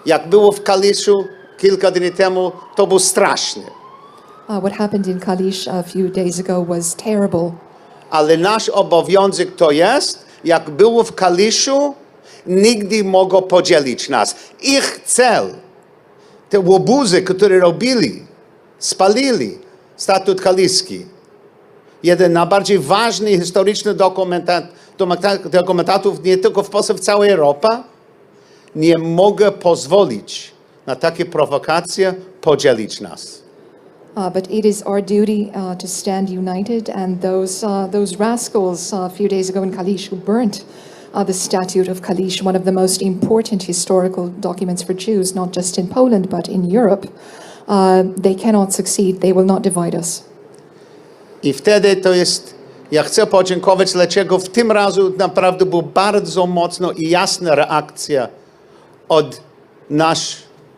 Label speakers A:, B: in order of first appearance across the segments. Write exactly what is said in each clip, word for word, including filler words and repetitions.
A: Jak było w Kaliszu kilka dni temu, to było straszne.
B: Uh, what happened in Kalisz a few days ago was terrible.
A: Ale nasz obowiązek to jest, jak było w Kaliszu, nigdy mogą podzielić nas. Ich cel, te łobuzy, które robili, spalili statut kaliski. Jeden z najbardziej ważnych historycznych dokumentat, dokumentatów nie tylko w Polsce, w całej Europie. Nie mogę pozwolić na takie prowokacje podzielić nas.
B: Uh, but it is our duty uh, to stand united, and those uh, those rascals uh, a few days ago in Kalisz who burnt uh, the statute of Kalisz, one of the most important historical documents for Jews, not just in Poland but in Europe, uh, they cannot succeed. They will not divide us.
A: I wtedy to jest, ja chcę podziękować, dlaczego w tym razu naprawdę była bardzo mocno i jasna reakcja od nasz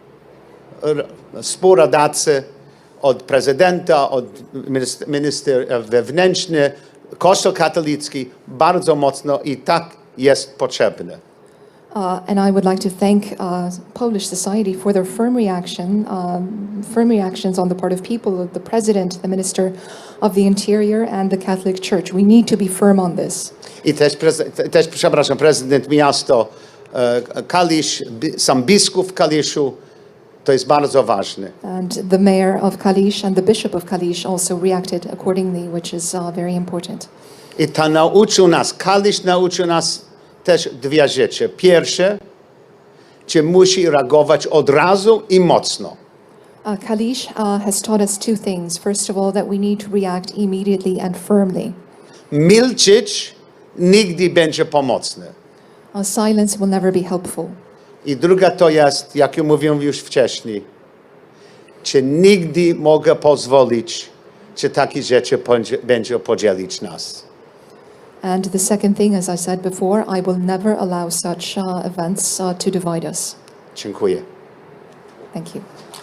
A: współradacy, od prezydenta, od minister, minister wewnętrzny, Kościół katolicki, bardzo mocno i tak jest potrzebne.
B: Uh, and I would like to thank uh, Polish society for their firm reaction, um, firm reactions on the part of people, the president, the minister of the interior, and the Catholic Church. We need to be firm on this.
A: I też, też przepraszam, prezydent miasto uh, Kalisz, sam biskup w Kaliszu, to jest bardzo ważne.
B: And the mayor of Kalisz and the bishop of Kalisz also reacted accordingly, which is uh, very important.
A: I to nauczył nas, Kalisz nauczył nas też dwie rzeczy. Pierwsze, że musi reagować od razu i mocno.
B: Uh, Kalisz uh, has taught us two things. First of all, that we need to react immediately and firmly.
A: Milczeć nigdy będzie pomocne.
B: Uh, silence will never be helpful.
A: I druga to jest, jak mówiłem już wcześniej, czy nigdy mogę pozwolić, że takie rzeczy będzie podzielić nas.
B: And the second thing, as I said before, I will never allow such uh, events uh, to divide us.
A: Dziękuję.
B: Thank you.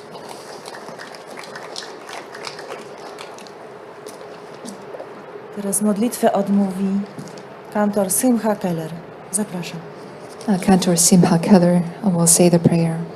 C: Teraz modlitwę odmówi kantor Simcha Keller. Zapraszam.
B: Uh, Cantor Simcha Keller will say the prayer.